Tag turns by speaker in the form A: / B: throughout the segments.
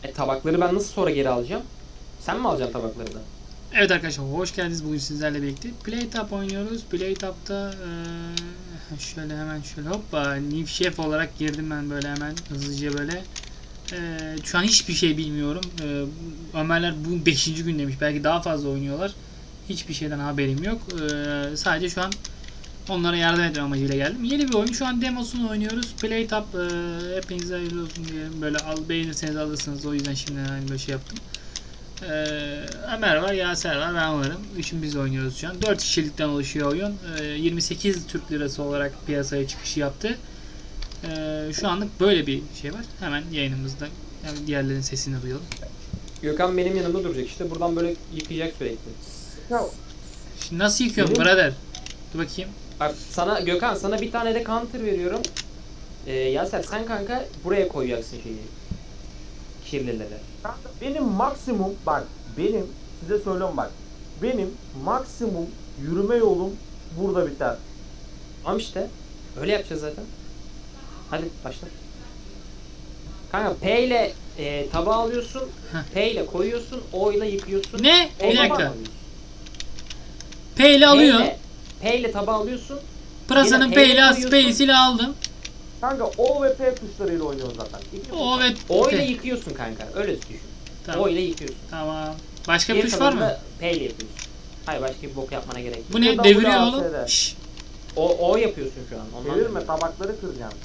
A: Tabakları ben nasıl sonra geri alacağım? Sen mi alacaksın tabakları da?
B: Evet arkadaşlar, hoş geldiniz. Bugün sizlerle birlikte PlayTap oynuyoruz. PlayTap'ta şöyle hemen şöyle hoppa New Chef olarak girdim ben böyle hemen hızlıca böyle. Şu an hiçbir şey bilmiyorum. Ömerler bu 5. gün demiş. Belki daha fazla oynuyorlar. Hiçbir şeyden haberim yok. Sadece şu an onlara yardım etme amacıyla geldim. Yeni bir oyun. Şu an demosunu oynuyoruz. PlayTap hepinize hayırlı olsun diye böyle beğenirseniz alırsınız. O yüzden şimdi hani böyle şey yaptım. Ömer var, Yaser var, ben varım. Üçümüz oynuyoruz şu an. 4 kişilikten oluşuyor oyun. 28 Türk Lirası olarak piyasaya çıkışı yaptı. Şu anlık böyle bir şey var. Hemen yayınımızda yani diğerlerin sesini duyalım.
A: Gökhan benim yanımda duracak işte. Buradan böyle yıkayacak sürekli.
C: Ya,
B: Şimdi nasıl yıkıyorum
C: Benim-
B: brother? Dur bakayım.
A: Bak sana Gökhan sana bir tane de counter veriyorum. Yaser sen kanka buraya koyacaksın şeyi. Kirlileri.
C: kanka benim maksimum size söylüyorum bak. Benim maksimum yürüme yolum burada biter.
A: Tamam işte. Öyle yapacağız zaten. Hadi başla. Kanka P ile tabağı alıyorsun. P ile koyuyorsun. O ile yıkıyorsun.
B: Ne?
A: O
B: Bir
A: ile
B: dakika.
A: alıyorsun.
B: P ile alıyor.
A: P ile tabağı alıyorsun.
B: Pırasanın
A: Yine
B: P
A: P ile
B: ile
A: koyuyorsun.
B: P'siyle aldım.
C: Kanka O ve P tuşlarıyla oynuyoruz zaten.
B: O ve
A: O ile
B: P.
A: yıkıyorsun kanka. Öyle düşün.
B: Tamam.
A: O ile yıkıyorsun.
B: Tamam. Başka bir
A: Diğer
B: tuş var
A: kalanını
B: mı?
A: da P ile yapıyorsun. Hayır başka bir bok yapmana gerek yok.
B: Bu ne?
C: Burada
B: Deviriyor
C: WASD.
B: oğlum. Şşş.
A: O yapıyorsun şu an. Ondan
C: Çevirme, tabakları kıracaksın.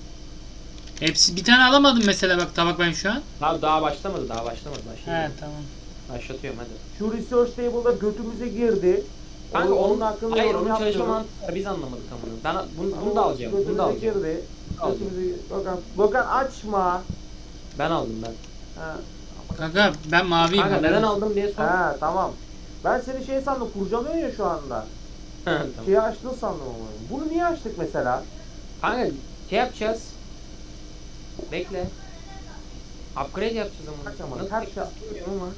B: Hepsi bir tane alamadım mesela bak tabak ben şu an.
A: Daha başlamadı.
B: He tamam.
A: Başlatıyorum hadi.
C: Şu research table'da götümüze girdi.
A: Kanka
C: Onun
A: onun
C: hakkında
A: hayır
C: yorum
A: onun çalışma
C: yapmıyorum.
A: mantığı var, biz anlamadık amına. Ben bunu da alacağım. Bunu da
C: Götümüze
A: alacağım.
C: girdi.
A: Alacağım.
C: Götümüze... Gökhan açma.
A: Ben aldım ben.
C: Ha.
B: Kanka ben maviyim.
A: Kanka neden aldım diye sor.
C: Ha tamam. Ben seni şey sandım, kurcalıyorsun ya şu anda.
A: Tamam.
C: Şeyi açtın sandım ama. Bunu niye açtık mesela?
A: Kanka şey yapacağız. Bekle. Upgrade yapacağız ama.
C: Kaç ama,
A: Nasıl
C: kaç
A: yapacağız bilmiyorum ama.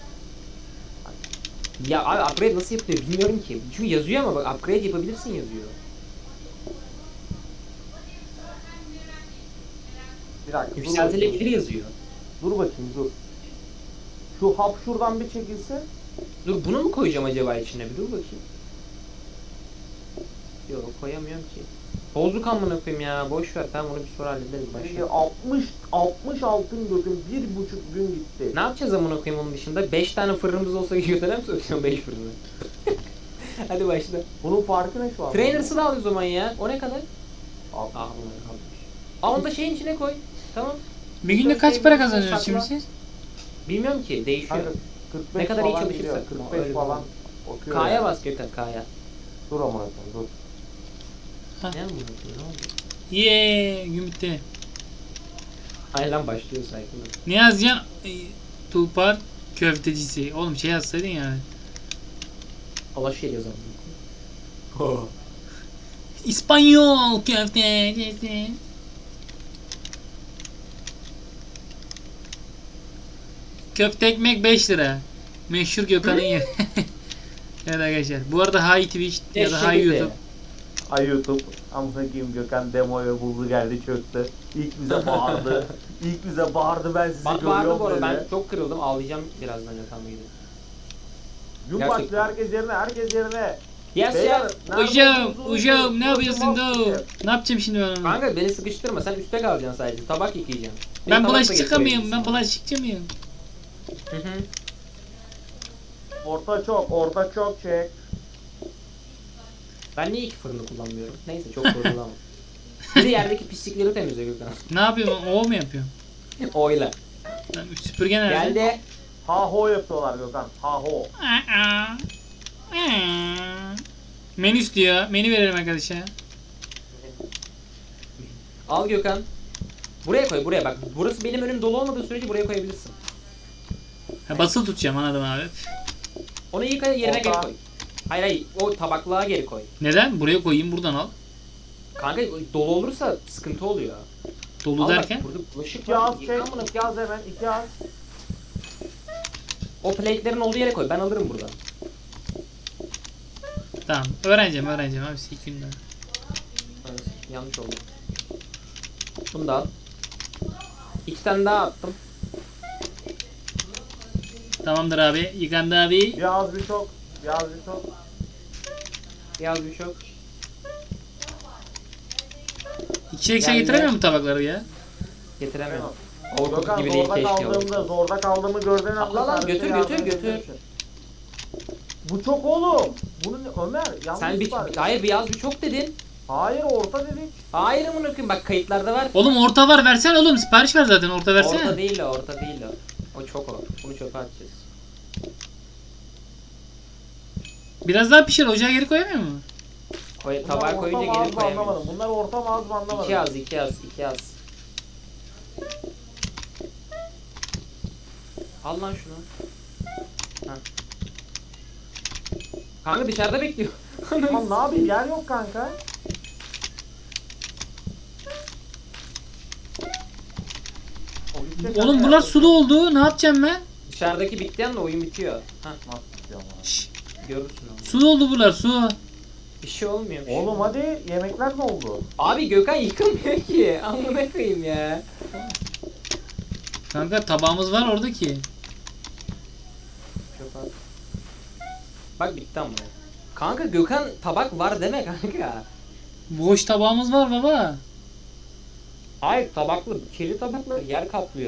A: Ya abi upgrade nasıl yapılıyor bilmiyorum ki. Çünkü yazıyor ama bak upgrade yapabilirsin yazıyor.
C: Bir dakika.
A: Yükseltilebilir yazıyor.
C: Dur bakayım dur. Şu hap şuradan bir çekilse.
A: Dur bunu mu koyacağım acaba içine bir dur bakayım. Yok koyamıyorum ki. Bozuk amına koyayım ya boş ver tamam onu bir sonra hallederiz başka.
C: 60 altın götüm 1,5 gün gitti.
A: Ne yapacağız amına koyayım onun dışında? 5 tane fırınımız olsa götüne mi sokacağım 5 fırını? Hadi başla.
C: Bunun farkı ne şu an?
A: Trainers'ı da al o zaman ya. O ne kadar?
C: Al.
A: Ah ulan kalmış. Aa onu da şeyin içine koy. Tamam.
B: Bir günde kaç para kazanıyorsunuz şimdi siz?
A: Bilmiyorum ki değişiyor.
C: Kanka, 45
A: Ne kadar iyi
C: falan
A: çalışırsa.
C: gidiyor,
A: Öyle
C: 45
A: bir
C: falan.
A: oldu.
C: Okuyor
A: K'ya
C: yani.
A: bas Gökhan K'ya.
C: Dur amına koyayım dur.
B: Ha.
A: Ne amına koyayım ne oldu?
B: Yeee gün bitti.
A: Ay lan başlıyor saygılar.
B: Ne yazacaksın? Tulpar köftecisi. Oğlum şey yazsaydın yani.
A: Allah şey yazalım. Oh.
B: İspanyol köftecisi. Köfte ekmek 5 lira. Meşhur Gökhan'ın yeri. Evet arkadaşlar. Bu arada Hi Twitch ya da Hi YouTube.
C: Ay YouTube. Amına koyayım Gökhan demoyu buldu geldi çöktü. İlk bize bağırdı. İlk bize bağırdı, ben sizi
A: Bak
C: görüyorum
A: bağırdı bu arada
C: böyle.
A: ben çok kırıldım ağlayacağım birazdan Gökhan'la gidip.
C: Gün
A: Gerçekten.
C: başlıyor, herkes yerine.
A: Yes
C: Beyler,
A: yes.
B: Hocam,
C: nerede
B: hocam ne
C: olduğunuzu
B: yapıyorsun da?
C: bulun.
B: Ne yapacağım şimdi ben onu?
A: Kanka beni sıkıştırma sen üstte kalacaksın sadece tabak yıkayacaksın. Benim
B: Ben
A: tabak da
B: bulaşıkçı mıyım?
A: getirebilirsin.
B: Ben bulaşıkçı mıyım?
A: Hı hı.
C: Orta çok çek.
A: Ben niye iki fırını kullanmıyorum? Neyse çok zorlamam. Bir de yerdeki pislikleri temizle Gökhan.
B: Ne yapıyorum? O mu yapıyorum?
A: Oyla.
B: Ben süpürge nerede?
A: Geldi.
C: Ha ho yapıyorlar Gökhan. Ha ho.
B: Menü istiyor. Menü verelim arkadaşa.
A: Al Gökhan. Buraya koy buraya bak. Burası benim önüm dolu olmadığı sürece buraya koyabilirsin.
B: Ha, basılı tutacağım anladım abi.
A: Onu yıka yerine
C: Orta.
A: geri koy. Hayır o tabaklığa geri koy.
B: Neden? Buraya koyayım buradan al.
A: Kanka dolu olursa sıkıntı oluyor.
B: Dolu
A: Al bak,
B: derken?
A: burada bulaşık
C: 2
A: var.
C: az çek.
A: Yıkan bunu.
C: 2 az hemen. 2 az.
A: O plate'lerin olduğu yere koy. Ben alırım buradan.
B: Tamam. Öğreneceğim abi. 2 günde.
A: Evet, yanlış oldu. Bunu da al. 2 tane daha attım.
B: Tamamdır abi. Yıkandı abi.
C: Biraz bir çok. Biraz bir çok.
A: Yaz bir çok.
B: İkişer ikişer
A: Geldi.
B: getiremiyor mu tabakları ya?
A: Getiremiyorum. Overcooked
C: Gökhan
A: gibi değil
C: zorda
A: keşke.
C: kaldığımda, zorda kaldığımı gördüğün anda
A: Allah lan,
C: servise
A: götür,
C: yardım
A: götür, götür.
C: edebilirsin. Bu çok oğlum. Bunu Ömer yanlış
A: Sen bir,
C: var.
A: hayır bir yaz bir çok dedin.
C: Hayır orta dedik.
A: Hayır amına koyayım, bak kayıtlarda var.
B: Oğlum orta var, versene oğlum. Sipariş ver zaten, orta versene.
A: Orta değil o, orta değil o. O çok o. Bunu çöpe atacağız.
B: Biraz daha pişir, ocağa geri koyamıyor mu?
A: Tabağa
C: Bunlar
A: koyunca
C: orta mı az
A: gelir
C: mı anlamadım.
A: koyamıyoruz.
C: Bunlar orta mı az mı anlamadım.
A: İki yaz, iki yaz, iki yaz. Al lan şunu. Heh. Kanka dışarıda bekliyor.
C: Tamam ne yapayım, yer yok kanka. O gidecek
B: Oğlum
C: kanka,
B: bunlar
C: yer
B: sulu
C: yok.
B: oldu. Ne yapacağım ben?
A: Dışarıdaki bitti anda oyun bitiyor. Heh,
C: Nasıl bitiyor ama?
B: Şşş.
A: görürsün onu.
B: Sulu oldu bunlar, su.
A: Bir şey olmuyor. bir şey
C: Oğlum
A: olmuyor.
C: hadi, yemekler ne oldu?
A: Abi Gökhan yıkamıyor ki. Amına koyayım ya.
B: Kanka tabağımız var orada ki.
A: Çok az. Bak bitti ama. Kanka Gökhan tabak var deme kanka.
B: Boş tabağımız var baba.
A: Hayır tabaklı, kirli tabaklı yer kaplıyor.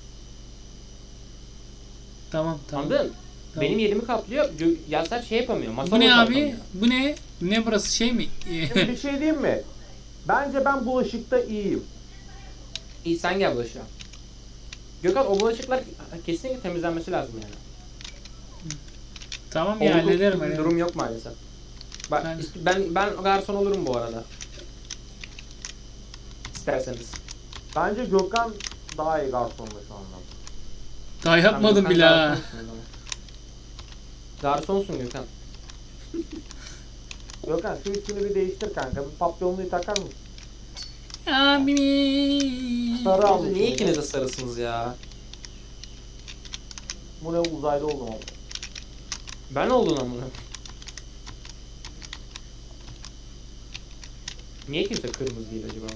B: Tamam tamam.
A: Anladın?
B: Tamam.
A: Benim yerimi kaplıyor. Yaser şey yapamıyor. Masa
B: Bu ne abi?
A: boşaltamıyor.
B: Bu ne? Ne burası, şey mi?
C: Şimdi bir şey diyeyim mi? Bence ben bulaşıkta iyiyim.
A: İyi sen gel bulaşığa. Gökhan o bulaşıklar kesinlikle temizlenmesi lazım yani.
B: Tamam ya,
A: Overcooked
B: hallederim.
A: bir
B: hallederim.
A: durum yok maalesef. Bak
B: Ben-
A: ben garson olurum bu arada. İsterseniz.
C: Bence Gökhan daha iyi garsonda şu anda.
B: Daha yapmadım
A: Gökhan
B: bile ha.
A: garsonsun o zaman. Garsonsun Gökhan.
C: Gökhan şu üstünü bir değiştir kanka. Bir papyonluğu takar mısın?
B: Abi.
C: Sarı almış.
A: Niye ikiniz de sarısınız ya?
C: Bu ne, uzaylı oldum ama.
A: Ben oldun amına. Niye kimse kırmızı değil acaba?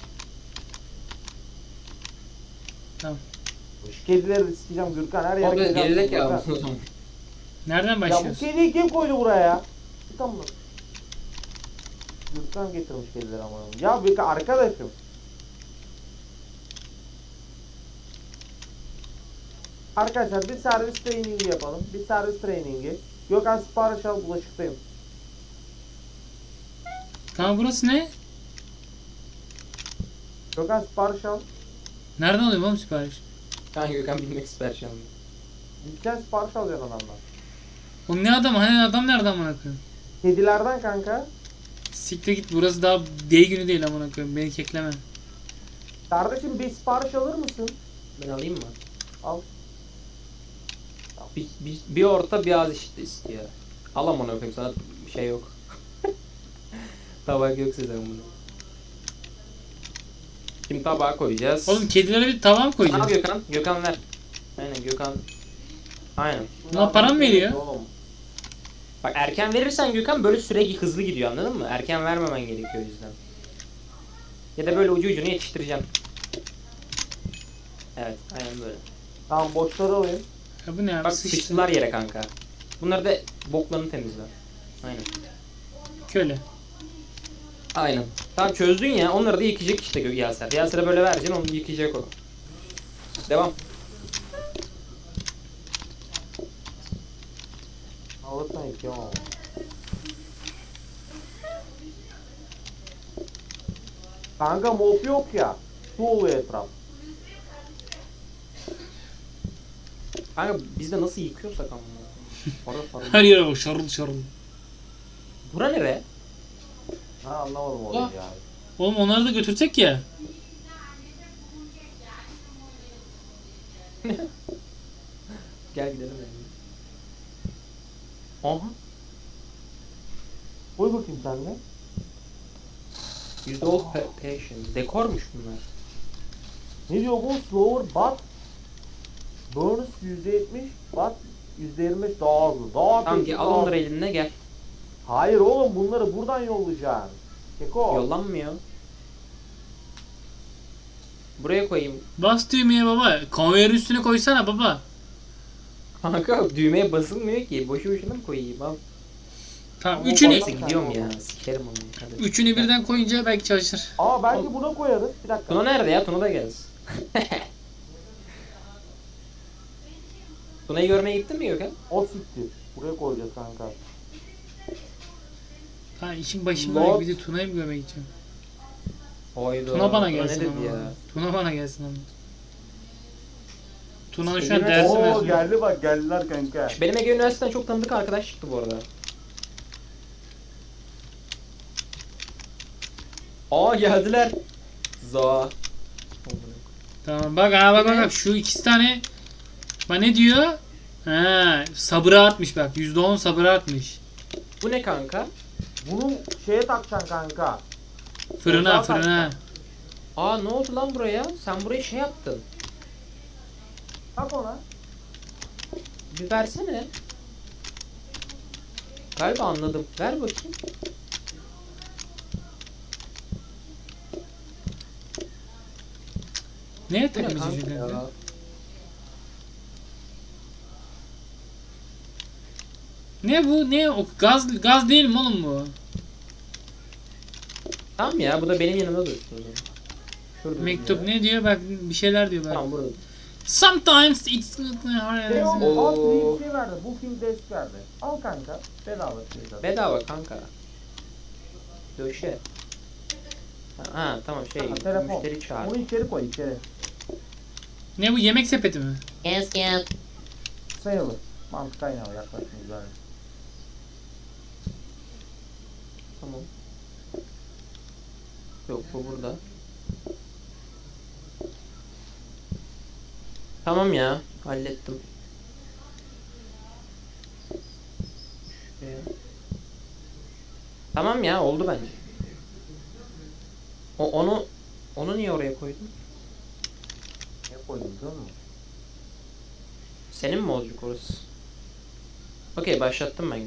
B: Tamam.
C: Şu kedileri de sikeceğim Gürkan, her yere
A: Orada
C: kedi
A: gerizek
C: attım
A: ya
C: Gürkan.
A: o zaman.
B: Nereden
C: Ya bu
B: başlıyoruz?
C: kediyi kim koydu buraya ya? Tamam mı? Gürkan getirmiş kedileri ama. Ya Gürkan arkadaşım. Arkadaşlar bir servis trainingi yapalım. Bir servis trainingi. Gökhan sipariş al, bulaşıktayım.
B: Tamam, burası ne?
C: Gökhan sipariş al.
B: Nereden alıyorum oğlum sipariş?
A: Ben Gökhan bilmek ister şu an.
C: Gideceksin sipariş alacaksın adamdan.
B: Oğlum ne adam? Hani adam nereden amına koyayım?
C: Kedilerden kanka.
B: Siktir git, burası daha day günü değil amına koyayım. Beni kekleme.
C: Kardeşim bir sipariş alır mısın?
A: Ben alayım mı?
C: Al.
A: Bir orta bir az istiyor. Al amına koyayım, sana bir şey yok. Tabak yok size bunu. Şimdi tabağa koyacağız.
B: Oğlum kedilere bir tavam
A: Al
B: koyacağım.
A: Gökhan. Gökhan ver. Aynen Gökhan. Aynen.
B: Buna param veriyor.
C: Oğlum.
A: Bak erken verirsen Gökhan böyle süre hızlı gidiyor, anladın mı? Erken vermemen gerekiyor o yüzden. Ya da böyle ucu ucuna yetiştireceğim. Evet, aynen böyle.
C: Tamam boşları alayım.
B: Ya bu ne abi?
A: Bak
B: Sıçtı.
A: sıçtılar yere kanka. Bunları da boklarını temizle. Aynen.
B: Köle.
A: Aynen. Tamam çözdün ya, onları da yıkayacak işte Yaser. Yaser'e böyle vereceksin, onu yıkayacak o. Devam.
C: Alırsan yıkayamam ama. Kanka mop yok ya. Su oluyor etraf.
A: Kanka biz de nasıl yıkıyorsak ama. Para.
B: Her yere bak, şarıl şarıl.
A: Bura nere?
C: Ha anlamadım olayı
A: Ah.
C: ya.
B: Oğlum onları da götürsek ya.
A: Gel gidelim yani. Aha.
C: Koy bakayım sen de.
A: %10 passion. Dekormuş bunlar.
C: Ne diyor bu? Slower but burns %70 but %25 daha hızlı. Daha
A: Tamam
C: tepki,
A: ki al
C: daha-
A: onları eline gel.
C: Hayır oğlum, bunları buradan yollayacaksın. Keko.
A: Yollanmıyor. Buraya koyayım.
B: Bas düğmeye baba. Konveyör üstüne koysana baba.
A: Kanka düğmeye basılmıyor ki. Boşu boşuna mı koyayım al.
B: Tamam
C: Ama
B: üçünü
A: Neyse gidiyorum ya. Sikerim onu. Hadi.
B: üçünü birden koyunca belki çalışır.
C: Aa belki buna koyarız. Bir dakika.
A: Tuna nerede ya? Tuna da gelsin. Tuna'yı görmeye gittin mi Gökhan?
C: O siktir. Buraya koyacağız kanka.
B: Ha işin başında
C: Lot.
B: bir de Tuna'yı mı görmeye gideceğim?
A: Hayda.
B: Tuna bana
A: Ne
B: gelsin
A: dedi
B: ama.
A: ya?
B: Tuna bana gelsin ama. Tuna'nın şu an
A: Elime-
B: dersi
C: Oo
B: mezunu.
C: geldi bak geldiler kanka.
A: Benim Ege Üniversitesi'nden çok tanıdık arkadaş çıktı bu arada. Aa geldiler. Za.
B: Tamam bak ha bak bak bak şu ikisi tane bak ne diyor? Ha sabıra artmış bak %10 sabıra artmış.
A: Bu ne kanka?
C: Bunu şeye takacaksın kanka.
B: Fırına
C: Ocağa
B: fırına.
A: Aa ne oldu lan buraya? Sen burayı şey yaptın.
C: Tak ona.
A: Bir versene. Galiba anladım. Ver bakayım.
B: Neye
A: Bu ne
B: takmış
A: kanka
B: şu
A: ya?
B: kanka? Ne bu? Ne o gaz değil mi oğlum bu?
A: Tamam ya bu da benim yanımda dursun o zaman. Şurada
B: Mektup
A: duruyor.
B: ne diyor? Bak bir şeyler diyor bak.
A: Tamam burada.
B: Sometimes it's
C: Şey
A: Oo.
C: oldu. Al bir şey verdi. Bu film desk verdi. Al kanka. Bedava şey zaten.
A: Bedava kanka. Döşe. Ha tamam şey
C: Ha, telefon.
A: müşteri çağır.
C: Bunu içeri koy içeri.
B: Ne bu yemek sepeti mi?
A: Yes yes.
C: Sayılır. Mantık aynı ama yaklaşım güzel.
A: Tamam. Yok bu burada. Tamam ya hallettim. Şuraya. Tamam ya oldu bence. Onu niye oraya koydun?
C: Ne koydun biliyor musun?
A: Senin mi olacak orası? Okey başlattım ben günü.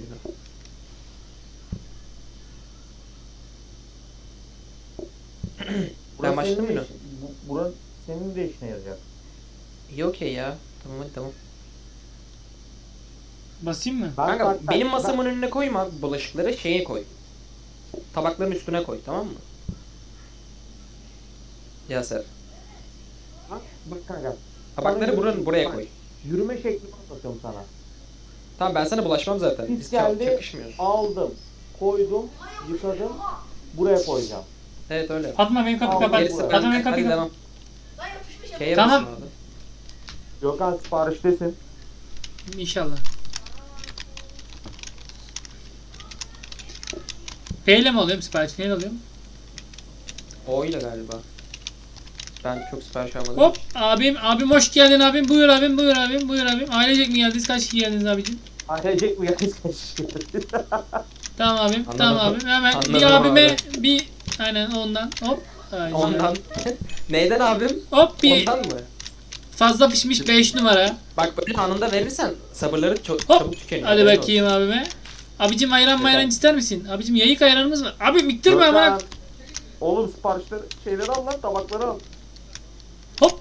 A: Ben başladım
C: senin de
A: günü.
C: Burası senin de işine yarayacak.
A: İyi okey ya. Tamam hadi tamam.
B: Basayım mı?
A: Kanka benim masamın önüne koyma bulaşıkları şeye koy. Tabakların üstüne koy tamam mı? Yaser.
C: Bak kanka.
A: Tabakları
C: Sana
A: buraya
C: bak,
A: koy.
C: Yürüme şeklini anlatıyorum sana.
A: Tamam ben sana bulaşmam zaten.
C: Biz
A: Biz
C: geldi,
A: çakışmıyoruz.
C: aldım, koydum, yıkadım, buraya koyacağım.
A: Evet öyle.
B: Fatma benim kapıyı
C: Al,
B: kapat.
C: gerisi
B: Fatma benim
A: Hadi
B: kapıyı kapat.
A: devam. Şeye
B: Tamam.
A: basın abi.
C: Gökhan sipariştesin.
B: İnşallah. P ile mi alıyorum sipariş? Neyle alıyorum?
A: O ile galiba. Ben çok sipariş almadım.
B: Hop abim hoş geldin abim. Buyur abim buyur abim buyur abim. Ailecek mi geldiniz? Kaç kişi geldiniz abicim?
C: Ailecek mi geldiniz?
B: Tamam abim.
A: Anladım.
B: Tamam abim. Hemen
A: Anladım
B: bir abime
A: abi.
B: bir aynen ondan. Hop. Ay,
A: Ondan. Neyden abim?
B: Hop bir
A: Ondan mı?
B: fazla pişmiş 5 numara.
A: Bak böyle anında verirsen sabırları çok
B: Hop.
A: çabuk tükeniyor.
B: Hadi
A: haberin
B: bakayım abime. Abicim ayran
A: Yeter.
B: mayran ister misin? Abicim yayık ayranımız var. Abi miktirme ama.
C: Gökhan, oğlum siparişleri, şeyleri al lan, tabakları al.
B: Hop.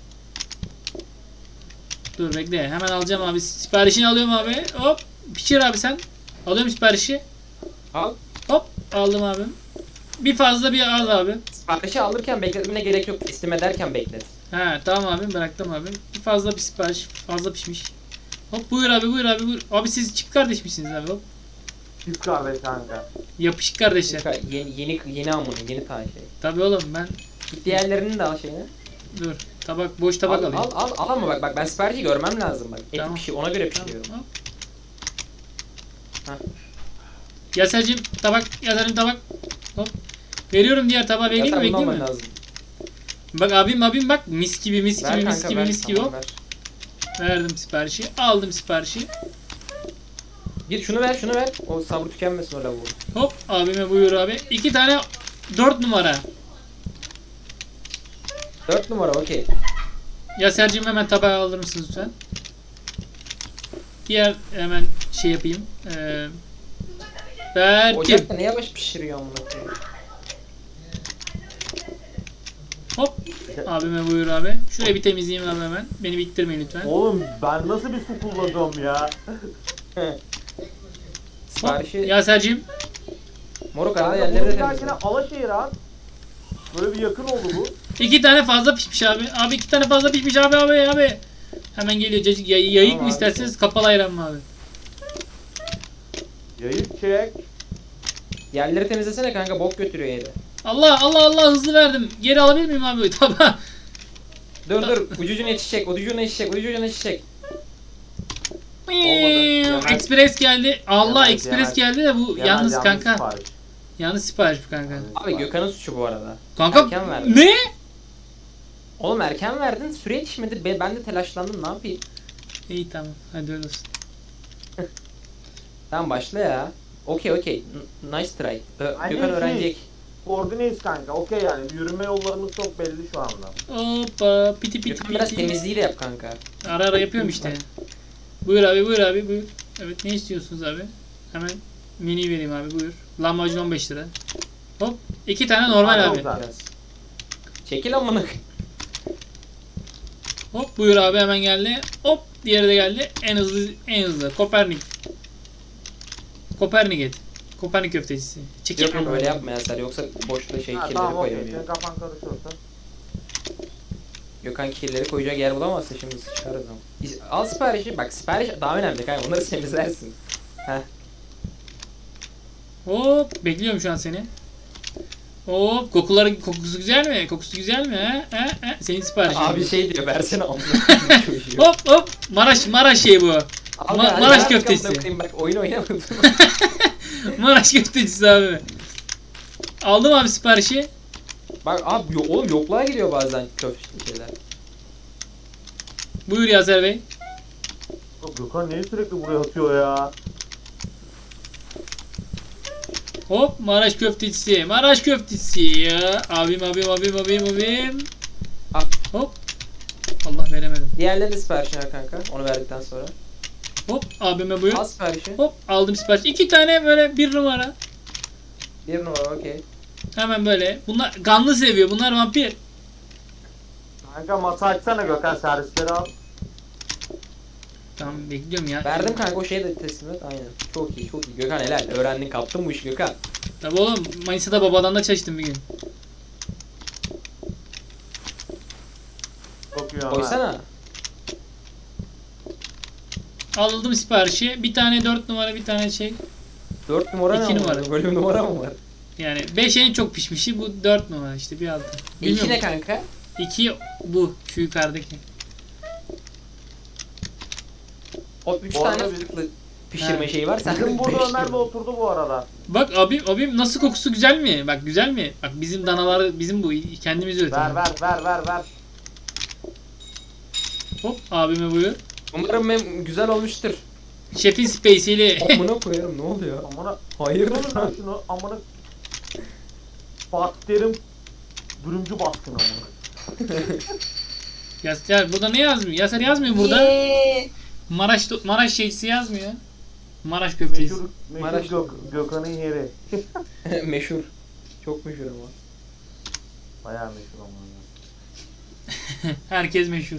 B: Dur bekle. Hemen alacağım abi. Siparişini alıyorum abi. Hop. Pişir abi sen. Alıyorum siparişi.
A: olsun. Al.
B: Hop. Aldım abim. Bir fazla bir az abi.
A: Siparişi alırken bekletmene gerek yok. Teslim ederken beklet.
B: He tamam abim bıraktım abim. Bir fazla bir sipariş. Fazla pişmiş. Hop buyur abi buyur abi buyur. Abi siz çift kardeş misiniz abi? Hop.
C: Çift kahve kanka.
B: Yapışık kardeşler.
A: Yeni amına yeni ta şey.
B: Tabii oğlum ben.
A: Git diğerlerinin de al şeyini.
B: Dur. Tabak boş tabak
A: al,
B: alayım.
A: al ama bak ben siparişi görmem lazım bak. Eti
B: Tamam.
A: ona göre
B: Tamam,
A: pişiriyorum.
B: hop.
A: Hah.
B: Yaser'cim tabak. Yaser'cim tabak. Hop. Veriyorum diğer tabağı vereyim mi
A: Zaten bunu
B: bekleyeyim
A: alman
B: mi?
A: lazım.
B: Bak abim bak mis gibi mis
A: Ver
B: gibi mis
A: kanka
B: gibi
A: ver.
B: mis gibi
A: Tamam,
B: hop.
A: ver.
B: Verdim siparişi. Aldım siparişi.
A: Git şunu ver. O sabrı tükenmesin o lavuğun.
B: Hop abime buyur abi. 2 tane 4 numara.
A: 4 numara okey.
B: Yaser'cim hemen tabağı alır mısınız lütfen? Diğer hemen şey yapayım. Verdim.
A: Ocakta ne yavaş pişiriyor amına koyayım.
B: Hop. Abime buyur abi. Şurayı bir temizleyeyim abi hemen. Beni bittirmeyin lütfen.
C: Oğlum ben nasıl bir su kullanıyorum ya?
B: Hop.
A: Siparişi
B: Yaser'cim.
A: moruk arada
C: Kanka
A: yerleri
C: bunu
A: de
C: bir dahakine
A: temizle.
C: Alaşehir at. Böyle bir yakın oldu bu.
B: 2 tane fazla pişmiş abi. Abi 2 tane fazla pişmiş abi. Hemen geliyor. Cacık yayık
A: Tamam
B: mı
A: abi,
B: isterseniz kapalı ayran mı abi?
C: Yayık çek.
A: Yerleri temizlesene kanka, bok götürüyor yeri.
B: Allah hızlı verdim. Geri alabilir miyim abi? Tamam.
A: Dur ucucuna yetişecek, ucucuna yetişecek. Olmadı.
B: Express geldi. Allah
C: Yemez,
B: Express
C: yemez.
B: geldi de bu yalnız kanka.
C: Sipariş.
B: Yalnız sipariş bu kanka.
A: Abi Gökhan'ın suçu bu arada.
B: Kanka
A: Erken verdin.
B: ne?
A: Oğlum erken verdin, süre yetişmedi. Ben de telaşlandım, ne yapayım?
B: İyi tamam. Hadi öyle olsun.
A: Tamam başla ya. Okey. Nice try.
C: Aynen
A: Gökhan
C: şey.
A: öğrenecek.
C: Koordineyiz kanka. Okey yani. Yürüme yollarımız çok belli şu anda.
B: Hoppa piti
A: Gökhan biraz
B: piti.
A: temizliği de yap kanka.
B: Ara yapıyorum işte. Buyur abi buyur. Evet ne istiyorsunuz abi? Hemen menüyü vereyim abi buyur. Lahmacun 15 lira. Hop 2 tane normal
C: Hadi
B: abi.
C: güzel.
A: Biraz. Çekil amına.
B: Hop buyur abi hemen geldi. Hop diğeri de geldi. En hızlı. Kopernik köftecisi. Çekil.
A: Yok öyle yapma ya sen, yoksa boşta
C: Ha,
A: kirleri
C: tamam okey.
A: koyuyor.
C: Senin kafan karışıyorsa.
A: Gökhan kirleri koyacak yer bulamazsa şimdi sıçarız ama. Al siparişi, bak sipariş daha önemli kanka, onları temizlersin. Heh.
B: Hop bekliyorum şu an seni. Hop kokusu güzel mi? Senin siparişin.
A: Abi şey diyor, versene amına.
B: Hop Maraş şey bu. Maraş köftesi.
A: Bak oyun oynamadım.
B: Maraş köftecisi abi. Aldım abi siparişi.
A: Bak abi oğlum yokluğa gidiyor bazen köfte şeyler.
B: Buyur Yaser Bey.
C: Gökhan niye sürekli buraya atıyor ya?
B: Hop Maraş köftecisi ya. Abim.
A: Al.
B: Hop. Allah veremedim.
A: Diğerlerinin de siparişini ver kanka, onu verdikten sonra.
B: Hop abime buyur.
A: Al siparişi.
B: Hop aldım sipariş. 2 tane böyle 1 numara.
A: Bir numara okey.
B: Hemen böyle. Bunlar kanlı seviyor. Bunlar vampir.
C: Kanka masa açsana Gökhan, servisleri al.
B: Tamam bekliyorum ya.
A: Verdim kanka, o şeyi de teslim et. Aynen. Çok iyi. Gökhan helal. Öğrendin, kaptın bu işi Gökhan.
B: Tabii oğlum Manisa'da babadan da çalıştım bir gün.
C: Çok iyi ama.
A: Koysana.
B: Aldım siparişi. Bir tane 4 numara bir tane şey.
A: 4 numara
B: İki
A: ne
B: numara.
A: var? Böyle bir numara mı var?
B: Yani 5 en çok pişmişi bu 4 numara işte bir altı.
A: 2 ne kanka?
B: 2 bu şu yukarıdaki.
A: O 3
C: Bu
A: tane
C: arada
A: fırıklı pişirme
B: Ha.
A: şeyi var. Sen
C: Bizim burada
A: 5
C: Ömer de oturdu bu arada.
B: Bak abim nasıl kokusu güzel mi? Bak güzel mi? Bak bizim danalar bizim bu kendimiz üretiyoruz.
C: Ver.
B: Hop abime buyur.
A: Umarım güzel olmuştur.
B: Şefin spacey'li.
A: Amına koyarım, ne oluyor?
C: Amına.
A: Hayırdır
C: Oğlum
A: lan?
C: lan şunu amına. Fatih Terim dürümcü baskın amına.
B: Ya burada ne yazmıyor? Yaser yazmıyor burada. Maraş şeysi yazmıyor. Maraş köftesi.
C: Meşhur
A: Maraş-
C: Gökhan'ın yeri.
A: Meşhur. Çok meşhur ama.
C: Bayağı meşhur amına.
B: Herkes meşhur.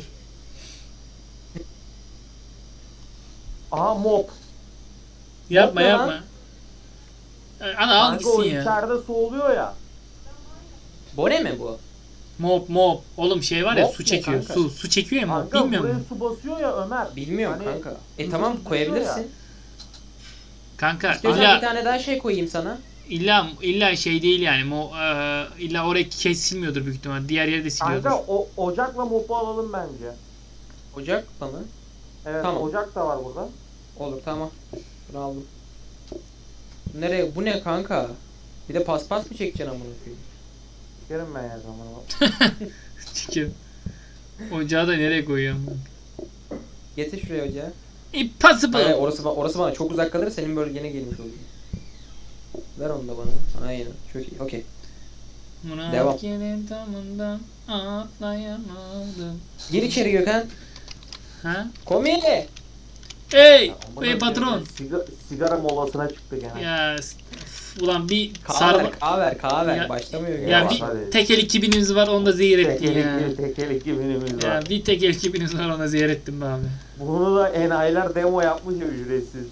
C: Aha mop.
B: Yapma
A: ne lan?
B: yapma. Ana al
C: Kanka o
B: gitsin ya.
C: içeride soğuluyor ya.
A: Bone mi bu?
B: Mop. Oğlum şey var ya
A: Mop
B: su
A: ne
B: çekiyor.
A: kanka?
B: Su çekiyor ya mop.
C: Kanka
B: Bilmiyor
C: buraya
B: musun?
C: su basıyor ya Ömer.
A: Bilmiyorum
C: Hani
A: kanka.
C: su
A: Tamam
C: düşüyor
A: koyabilirsin.
C: ya.
B: Kanka
A: İstiyorsan bir
B: illa
A: tane daha şey koyayım sana.
B: illa şey değil yani. İlla oraya kesilmiyordur büyük ihtimal. Diğer yeri de siliyordur.
C: Kanka o ocakla mopu alalım bence.
A: Ocak mı?
C: Evet
A: Tamam.
C: ocak da var burada.
A: Olur tamam. Bunu aldım. Nereye? Bu ne kanka? Bir de paspas mı çekeceksin amına koyayım?
C: Sikerim ben ya zamanı.
B: Çıkıyor. Ocağı da nereye koyuyorum?
A: Getir şuraya ocağı.
B: Impossible.
A: Hayır, orası bana çok uzak kalır, senin bölgene gelmiş olur. Ver onu da bana. Aynen. Çok iyi. Okey. Devam.
B: Murakkenin tamından atlayamadım.
A: Gir içeri Gökhan.
B: Ha?
A: Komi!
B: Hey!
C: Aman
B: Hey
C: Allah'ım,
B: patron.
C: Sigara molasına çıktık yani.
B: Ya ulan bir
A: Kahve ver,
B: sarma...
A: kahve ver.
B: Ya-
A: Başlamıyor.
B: Ya
C: Hadi.
B: bir tekel 2000'imiz var onu da zehir ettin ya.
C: Tekel ekibimiz
B: Ya
C: var.
B: bir tekel 2000'imiz var onu da zehir ettin be abi.
C: Bunu da enayiler demo yapmış ya ücretsiz.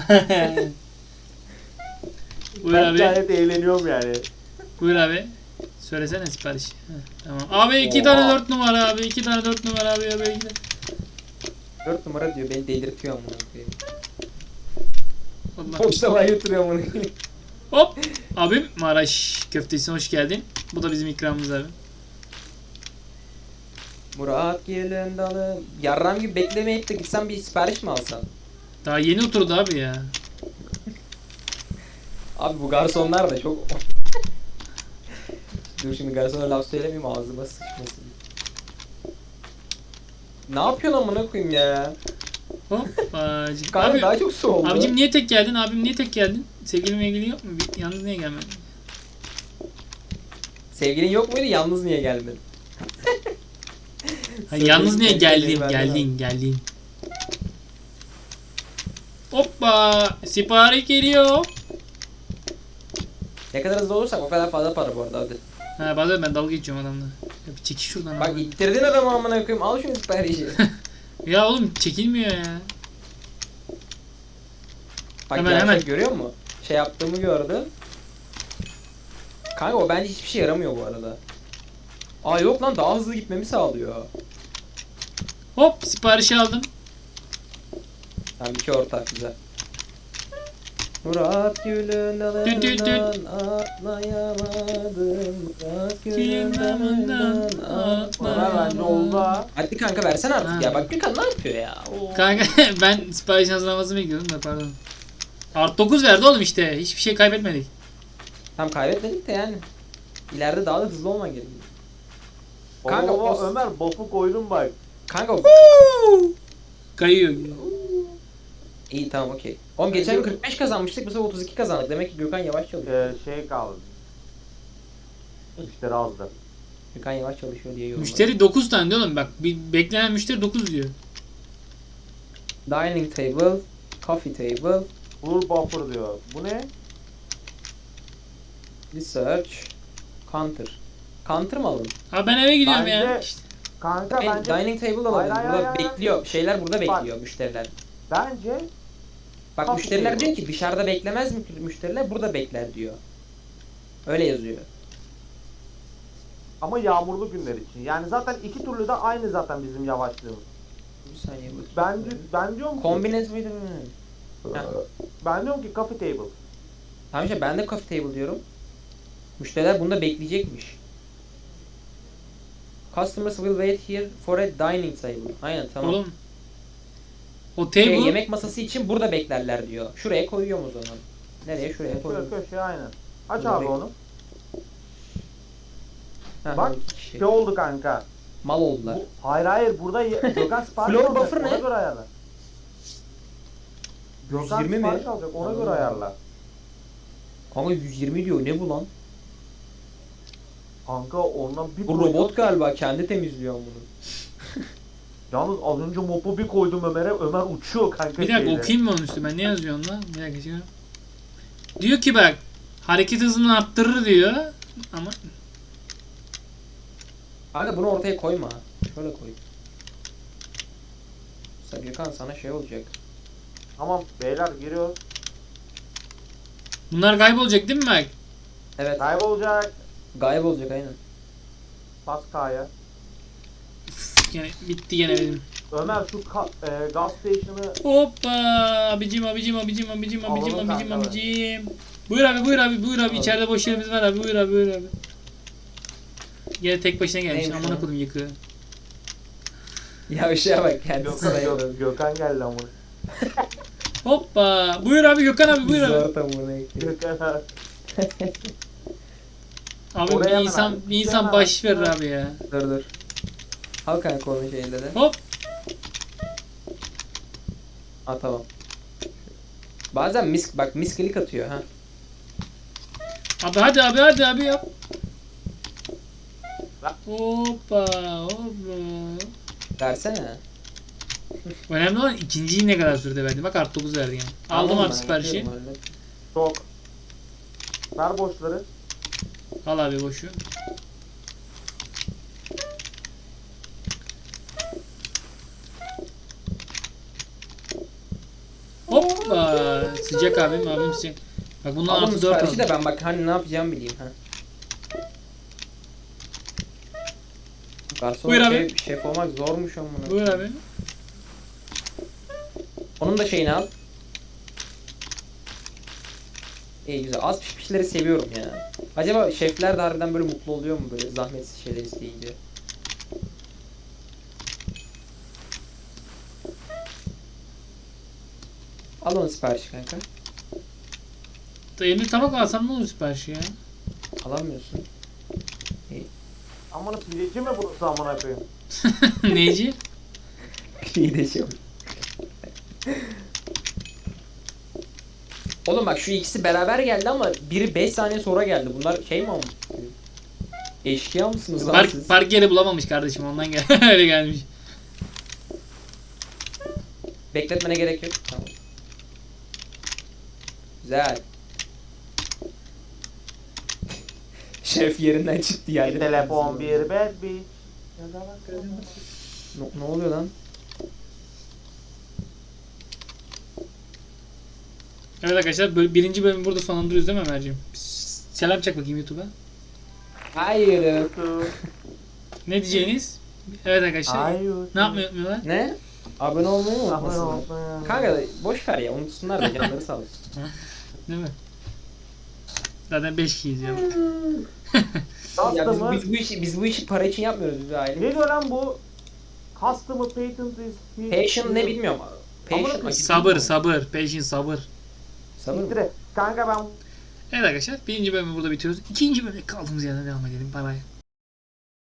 B: Buyur
C: Ben
B: abi.
C: gayet eğleniyorum yani.
B: Buyur abi. Söylesene sipariş. Heh, tamam. Abi 2
C: Oha.
B: tane 4 numara abi. 2 tane 4 numara abi. Abi 2 tane.
A: 4 numara diyor. Beni delirtiyor amına koyayım.
B: Allah.
A: Boşlamaya götürüyor amına koyayım.
B: Hop. Abim Maraş köftesine hoş geldin. Bu da bizim ikramımız abi.
A: Murat gelin dalı. Yarram gibi beklemeyip de gitsen bir sipariş mi alsan?
B: Daha yeni oturdu abi ya.
A: Abi bu garsonlar da çok... Dur şimdi garsona laf söylemeyeyim ağzıma sıçmasın. Ne yapıyorsun amına koyayım ya?
B: Hop.
A: Kanka
B: Abi,
A: daha çok su oldu.
B: abicim niye tek geldin? Abim niye tek geldin? Sevgilim ilgili yok mu? Yalnız niye gelmedin?
A: Sevgilin yok muydu? Yalnız niye gelmedin?
B: Ha, yalnız niye
A: Sevgilin
B: geldin?
A: kendini benden
B: Geldin. Hoppa. Sipariş geliyor.
A: Ne kadar hızlı olursak o kadar fazla para bu arada hadi.
B: Ha bazen ben dalga geçiyorum adamla. Ya bir çekil şuradan
A: Bak
B: abi.
A: ittirdin adamı amına koyayım al şunu siparişi.
B: Ya oğlum çekilmiyor ya.
A: Bak
B: Hemen,
A: gerçek
B: hemen.
A: görüyor musun? Şey yaptığımı gördün. Kanka o bence hiçbir şey yaramıyor bu arada. Aa yok lan daha hızlı gitmemi sağlıyor.
B: Hop siparişi aldım.
A: Tamam iki ortak güzel. Murat Gül'ün
B: Düt düt düt.
A: dalından atlayamadım. Murat Gül'ün
B: Gül'ün dalından
A: dalından
C: Bana bence oldu ha.
A: Hadi kanka versene artık
B: Ha.
A: ya. Bak Gökhan ne yapıyor ya? Oo.
B: Kanka ben sipariş hazırlamasını bekliyordum da pardon. Art 9 verdi oğlum işte. Hiçbir şey kaybetmedik.
A: Tam kaybetmedik de yani. İleride daha da hızlı olman gerekiyor. Kanka,
C: Kanka
A: o-
C: Ömer bofu koydum bak.
A: Kanka
B: Kayıyor.
A: iyi tamam okey. Oğlum geçen gün 45 kazanmıştık bu sefer 32 kazandık. Demek ki Gökhan yavaş çalışıyor.
C: Şey kaldı. Müşteri azdı.
A: Gökhan yavaş çalışıyor diye yorumladım.
B: Müşteri 9 tane diyor oğlum bak. Bir beklenen müşteri 9 diyor.
A: Dining table, coffee table,
C: Full buffer diyor. Bu ne?
A: research, counter. Counter mı alalım?
B: Abi ben eve gidiyorum ya.
C: Bence-
B: İşte.
C: Kanka bence
A: Dining table alalım.
C: Hayır, hayır,
A: Burada
C: hayır, hayır.
A: bekliyor. Şeyler burada
C: Bak.
A: bekliyor müşteriler.
C: bence
A: Bak
C: Coffee
A: müşteriler
C: table.
A: diyor ki dışarıda beklemez mi müşteriler burada bekler diyor. Öyle yazıyor.
C: ama yağmurlu günler için. Yani zaten iki türlü de aynı zaten bizim yavaşlığımız.
A: Bir saniye bakayım.
C: Ben diyorum ki
A: Kombines miydi? Heh.
C: ben diyorum ki coffee table.
A: Tamam işte ben de coffee table diyorum. Müşteriler bunda bekleyecekmiş. Customers will wait here for a dining table. Aynen tamam.
B: Oğlum. O table.
A: Yemek masası için burada beklerler diyor. Şuraya koyuyorum o zaman. Nereye? Şuraya
C: Şöyle
A: koyuyorum.
C: köşeye aynen. Aç
A: Burada
C: abi
A: bek-
C: onu.
A: Ha,
C: Bak,
A: iki kişi.
C: Şey oldu kanka.
A: Mal oldular.
C: Hayır burada Gökhan sipariş
A: Floor
C: alacak.
A: buffer
C: Ona
A: ne?
C: göre ayarla. Gökhan
A: 120 mi?
C: sipariş alacak. Ona göre ayarla.
A: Kanka 120 diyor. Ne bu lan?
C: Kanka ondan bir
A: Bu
C: koydum.
A: robot galiba. Kendi temizliyor bunu.
C: Yalnız az önce mopu bir koydum Ömer'e. Ömer uçuyor kanka.
B: Bir dakika
C: şeyde.
B: okuyayım mı onun üstüne? Ne yazıyor onda? Bir dakika şimdi. Diyor ki bak hareket hızını arttırır diyor. Ama
A: Kanka bunu ortaya koyma. Şöyle koy. Mesela Gökhan sana şey olacak.
C: Tamam beyler giriyor.
B: bunlar kaybolacak değil mi bak?
A: Evet.
C: Kaybolacak.
A: Gayb olacak aynen.
C: Bas K'ya.
B: Gene bitti gene benim.
C: Ömer şu gas station'ı
B: Hoppa abicim.
C: Alalım kanka.
B: Buyur abi içeride boş yerimiz var abi buyur abi. Gene tek başına gelmiş
A: Neymiş
B: amına
A: o?
B: koydum yıkığı.
A: Ya ışığa bak kendisi sayılır.
C: Gökhan geldi ama.
B: Hoppa buyur abi Gökhan abi buyur abi.
A: Zor tam bunu ekliyor.
C: Gökhan.
B: Abi
C: Oraya
B: bir
C: hemen
B: insan
C: abi.
B: bir insan
C: Hemen
B: baş
C: abi.
B: verir abi ya.
A: Dur. Al kanka onun şeyinde de.
B: Hop.
A: Ha tamam. Bazen miskilik atıyor ha.
B: Abi hadi abi yap.
C: Lan.
B: Hoppa.
A: Versene.
B: Önemli olan ikinciyi ne kadar sürede verdi. Bak artı 9 verdi yani. Aldım
A: Tamam,
B: abi
A: ben
B: siparişi.
A: yapıyorum, hallet.
C: Çok. Ver boşları.
B: Al abi boşu. Hoppa. Sıcak abim sıcak. Bak bundan
A: Alın
B: artı 4
A: siparişi
B: aldım.
A: de ben bak hani ne yapacağımı bileyim ha. Garson
B: Buyur abi.
A: şef olmak zormuş ama.
B: Buyur abi.
A: Onun da şeyini al. İyi güzel. Az pişmişleri seviyorum ya. Acaba şefler de harbiden böyle mutlu oluyor mu böyle zahmetsiz şeyler isteyince? Al onu siparişi kanka.
B: Elimde tabak alsam ne olur siparişi ya?
A: Alamıyorsun.
C: Amına pideci mi burası amına koyayım?
B: Neyci?
A: İyi de şey. Oğlum bak şu ikisi beraber geldi ama biri 5 saniye sonra geldi. Bunlar şey mi olmuş? Eşkıya mısınız lan siz?
B: Park yeri bulamamış kardeşim ondan öyle gelmiş.
A: Bekletmene gerek yok. Tamam. Güzel. Şef yerinden çıktı yani.
C: Bir telefon bir bad bitch.
A: Ne oluyor lan?
B: Evet arkadaşlar birinci bölümü burada sonlandırıyoruz değil mi Ömerciğim? Selam çak bakayım YouTube'a.
A: Hayır.
B: Ne diyeceğiniz? Evet arkadaşlar.
C: Hayır.
B: Ne yapmayı unutmuyorlar?
A: Ne? Abone olmayı mı
C: Abone
A: unutmasınlar?
C: olmayı.
A: Kanka boş ver ya unutsunlar da canları sağ olsun.
B: Değil mi? Zaten 5 kişiyiz ya.
A: Ya
C: Customer.
A: biz bu işi para için yapmıyoruz biz bir aile.
C: Ne diyor lan bu? Customer patent is...
A: Patient ne bilmiyorum. Patient
C: Ama-
B: Sabır. Patient sabır.
A: Sabır mı?
C: Siktir et. Kanka ben
B: Evet arkadaşlar birinci bölümü burada bitiriyoruz. İkinci bölümde kaldığımız yerden devam edelim. Bay bay.